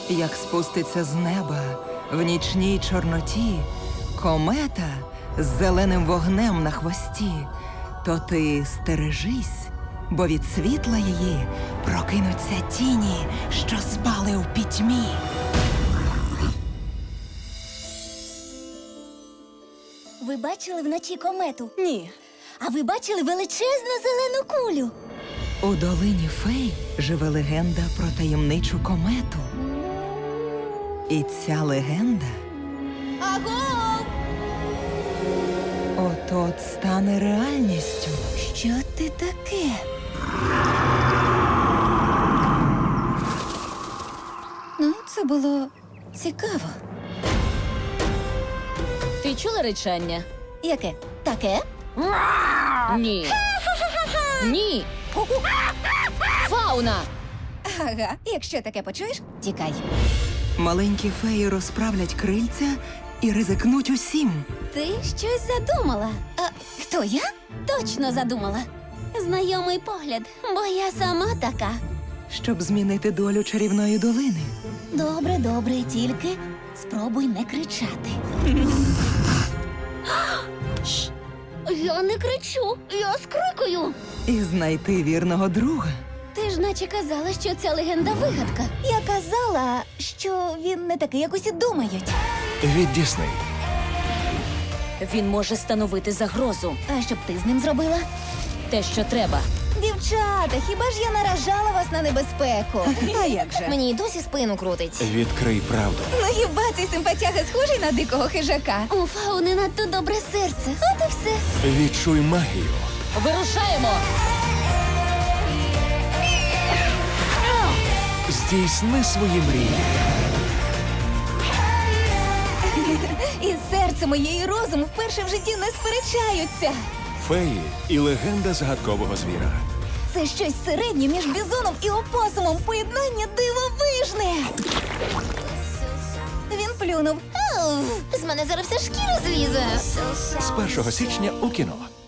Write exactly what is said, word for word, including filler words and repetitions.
Як спуститься з неба в нічній чорноті комета з зеленим вогнем на хвості, то ти стережись, бо від світла її прокинуться тіні, що спали у пітьмі. Ви бачили вночі комету? Ні. А ви бачили величезну зелену кулю? У долині фей живе легенда про таємничу комету. І ця легенда Аго! от-от стане реальністю. Що ти таке? Ну, це було цікаво. Ти чула речання? Яке? Таке? Ні. Ні. Фауна! Ага, якщо таке почуєш, тікай. Маленькі феї розправлять крильця і ризикнуть усім. Ти щось задумала. А хто я? Точно задумала. Знайомий погляд, бо я сама така. Щоб змінити долю чарівної долини. Добре, добре, тільки спробуй не кричати. Шш! Я не кричу, я скрикую. І знайти вірного друга. Ти ж наче казала, що ця легенда вигадка. Я казала, що він не такий, як усі думають. Від Дісней. Він може становити загрозу. А що б ти з ним зробила? Те, що треба. Дівчата, хіба ж я наражала вас на небезпеку? А як же? Мені й досі спину крутить. Відкрий правду. Ну хіба цей симпатяга схожий на дикого хижака? У Фауни надто добре серце. От і все. Відчуй магію. Вирушаємо! Здійсни свої мрії. І серце моє, і розум вперше в житті не сперечаються. Феї і легенда загадкового звіра. Це щось середнє між бізоном і опосумом. Поєднання дивовижне. Він плюнув. Ау, з мене зараз вся шкіра злізе. З першого січня у кіно.